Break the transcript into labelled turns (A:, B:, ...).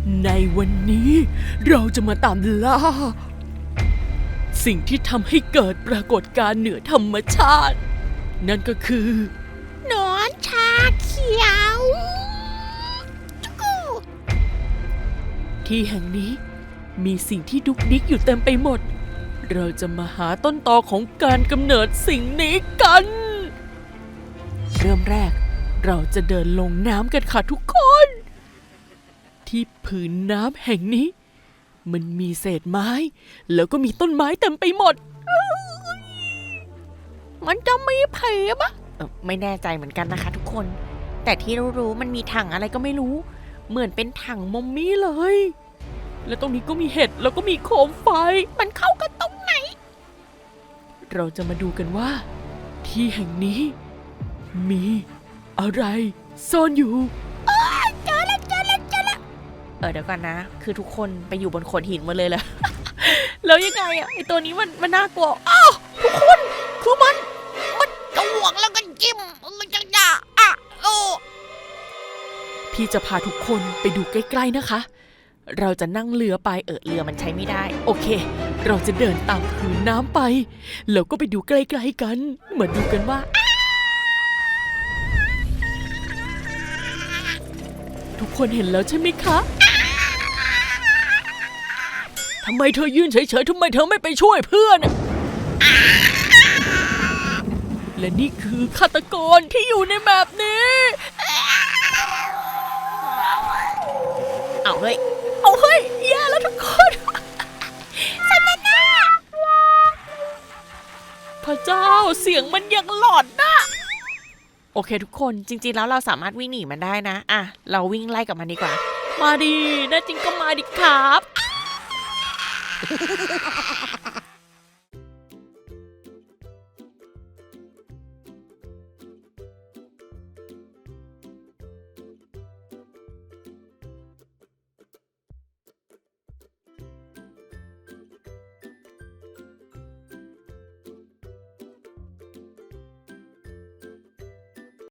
A: ในวันนี้เราจะมาตามล่าสิ่งที่ทำให้เกิดปรากฏการณ์เหนือธรรมชาตินั่นก็คือ
B: หนอนชาเขียวจุกู
A: ที่แห่งนี้มีสิ่งที่ดุกดิกอยู่เต็มไปหมดเราจะมาหาต้นตอของการกำเนิดสิ่งนี้กันเริ่มแรกเราจะเดินลงน้ำกันค่ะทุกคนที่ผืนน้ำแห่งนี้มันมีเศษไม้แล้วก็มีต้นไม้เต็มไปหมด
B: มันจะมีผีปะไม่แน่ใจเหมือนกันนะคะทุกคนแต่ที่รู้ๆมันมีถังอะไรก็ไม่รู้เหมือนเป็นถังมัมมี่เลย
A: แล้วตรงนี้ก็มีเห็ดแล้วก็มีโคมไฟ
B: มันเข้ากันตรงไหน
A: เราจะมาดูกันว่าที่แห่งนี้มีอะไรซ่อนอยู่
B: เจอแล้วเดี๋ยวก่อนนะคือทุกคนไปอยู่บนโขดหินหมดเลยเหรอ แล้วยังไงอะไอตัวนี้มันน่ากลัวอ้าวทุกคนคือมันจะหวงแล้วก็จิ้มมันจะด่าโอ้
A: พี่จะพาทุกคนไปดูใกล้ๆนะคะเราจะนั่งเรือไป
B: เรือมันใช้ไม่ได้
A: โอเคเราจะเดินตามผืนน้ำไปแล้วก็ไปดูใกล้ๆกันเหมือนดูกันว่าทุกคนเห็นแล้วใช่ไหมคะทำไมเธอยืนเฉยๆทำไมเธอไม่ไปช่วยเพื่อนและนี่คือฆาตกรที่อยู่ในแบบนี้
B: เอาเฮ้ย
A: แย่แล้วทุกคน
B: สำนักหน้า
A: พระเจ้าเสียงมันยังหลอนนะ
B: โอเคทุกคนจริงๆแล้วเราสามารถวิ่งหนีมันได้นะเราวิ่งไล่กับมันดีกว่า
A: มาดิแน่จริงก็มาดิครับ